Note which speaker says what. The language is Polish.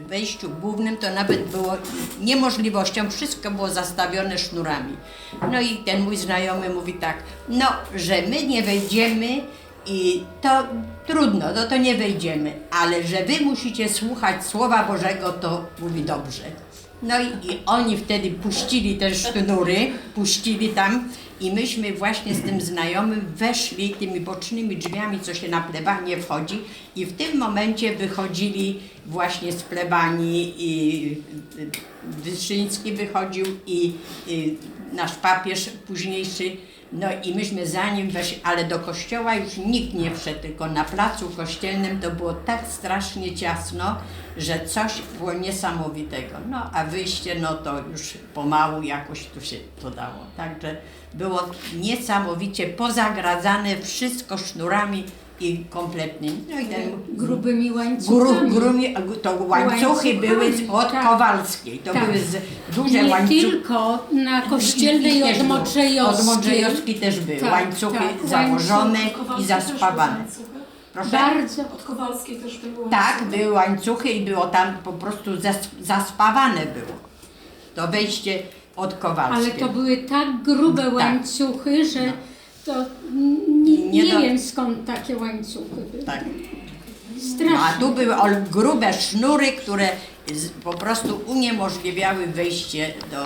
Speaker 1: wejściu głównym to nawet było niemożliwością, wszystko było zastawione sznurami. No i ten mój znajomy mówi tak, no, że my nie wejdziemy i to trudno, no to nie wejdziemy, ale że wy musicie słuchać Słowa Bożego, to mówi dobrze. No i oni wtedy puścili te sznury, puścili tam i myśmy właśnie z tym znajomym weszli tymi bocznymi drzwiami, co się na plebanię wchodzi i w tym momencie wychodzili właśnie z plebanii i Wyszyński wychodził i nasz papież późniejszy. No i myśmy za nim weszli, ale do kościoła już nikt nie wszedł, tylko na placu kościelnym to było tak strasznie ciasno, że coś było niesamowitego. No a wyjście, no to już pomału jakoś tu się to dało. Także było niesamowicie pozagradzane wszystko sznurami i kompletnie. No i ten
Speaker 2: Grubymi łańcuchami.
Speaker 1: to łańcuchy były od
Speaker 2: tak.
Speaker 1: Kowalskiej. To
Speaker 2: Tak.
Speaker 1: były duże
Speaker 2: Nie
Speaker 1: łańcuchy.
Speaker 2: tylko na Kościelnej od Modrzejowskiej.
Speaker 1: Od Modrzejowskiej też były.
Speaker 2: Tak,
Speaker 1: łańcuchy
Speaker 2: tak,
Speaker 1: założone
Speaker 3: Kowalskiej
Speaker 1: i
Speaker 3: też
Speaker 1: zaspawane.
Speaker 3: były łańcuchy.
Speaker 1: Proszę?
Speaker 2: Bardzo.
Speaker 3: Od Kowalskiej też były
Speaker 1: Tak,
Speaker 3: łańcuchy.
Speaker 1: były łańcuchy i było tam po prostu zaspawane było. To wejście od
Speaker 2: Ale
Speaker 1: Kowalskiej.
Speaker 2: to były tak grube
Speaker 1: Tak.
Speaker 2: łańcuchy, że
Speaker 1: No.
Speaker 2: to nie
Speaker 1: Nie do-
Speaker 2: wiem skąd takie łańcuchy były.
Speaker 1: Tak.
Speaker 2: Strasznie.
Speaker 1: A tu były grube sznury, które po prostu uniemożliwiały wejście do